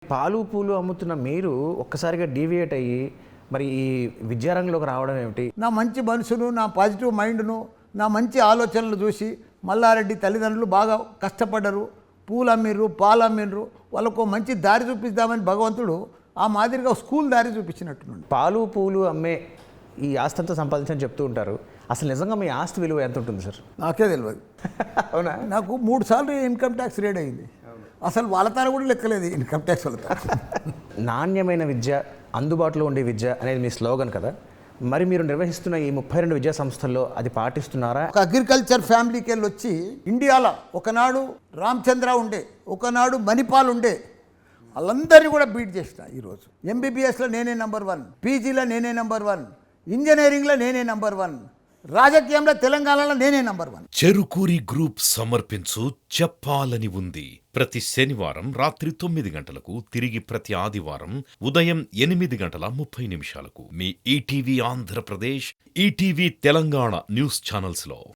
పాలు పూలు అమ్ముతున్న మీరు ఒక్కసారిగా డీవియేట్ అయ్యి మరి ఈ విద్యారంగంలోకి రావడం ఏమిటి? నా మంచి మనసును, నా పాజిటివ్ మైండ్ను, నా మంచి ఆలోచనలు చూసి మల్లారెడ్డి తల్లిదండ్రులు బాగా కష్టపడ్డరు, పూలు అమ్మిర్రు, పాలు అమ్మిర్రు, వాళ్ళకు మంచి దారి చూపిద్దామని భగవంతుడు ఆ మాదిరిగా స్కూల్ దారి చూపించినట్టున్నాడు. పాలు పూలు అమ్మే ఈ ఆస్తి అంతా సంపాదించని చెప్తూ ఉంటారు. అసలు నిజంగా మీ ఆస్తి విలువ ఎంత ఉంటుంది సార్? నాకే తెలియదు. అవునా? నాకు 3 సార్లు ఇన్కమ్ ట్యాక్స్ రేడ్ అయింది. అసలు వాళ్ళ తార కూడా లెక్కలేదు ఇన్కమ్ ట్యాక్స్ వాళ్ళ తార. నాణ్యమైన విద్య, అందుబాటులో ఉండే విద్య అనేది మీ స్లోగన్ కదా. మరి మీరు నిర్వహిస్తున్న ఈ 32 విద్యా సంస్థల్లో అది పాటిస్తున్నారా? ఒక అగ్రికల్చర్ ఫ్యామిలీకి వెళ్ళి వచ్చి ఇండియాలో ఒకనాడు రామచంద్ర ఉండే, ఒకనాడు మణిపాల్ ఉండే, వాళ్ళందరినీ కూడా బీట్ చేసిన. ఈరోజు ఎంబీబీఎస్లో నేనే నెంబర్ 1, పీజీలో నేనే నెంబర్ 1, ఇంజనీరింగ్లో నేనే నెంబర్ 1, రాజకీయంలో తెలంగాణలో నేనే నెంబర్ 1. చెరుకూరి గ్రూప్ సమర్పించు చెప్పాలని ఉంది. ప్రతి శనివారం రాత్రి 9 గంటలకు, తిరిగి ప్రతి ఆదివారం ఉదయం 8:30 మీ ఈటీవీ ఆంధ్రప్రదేశ్, ఈటీవీ తెలంగాణ న్యూస్ ఛానల్స్ లో.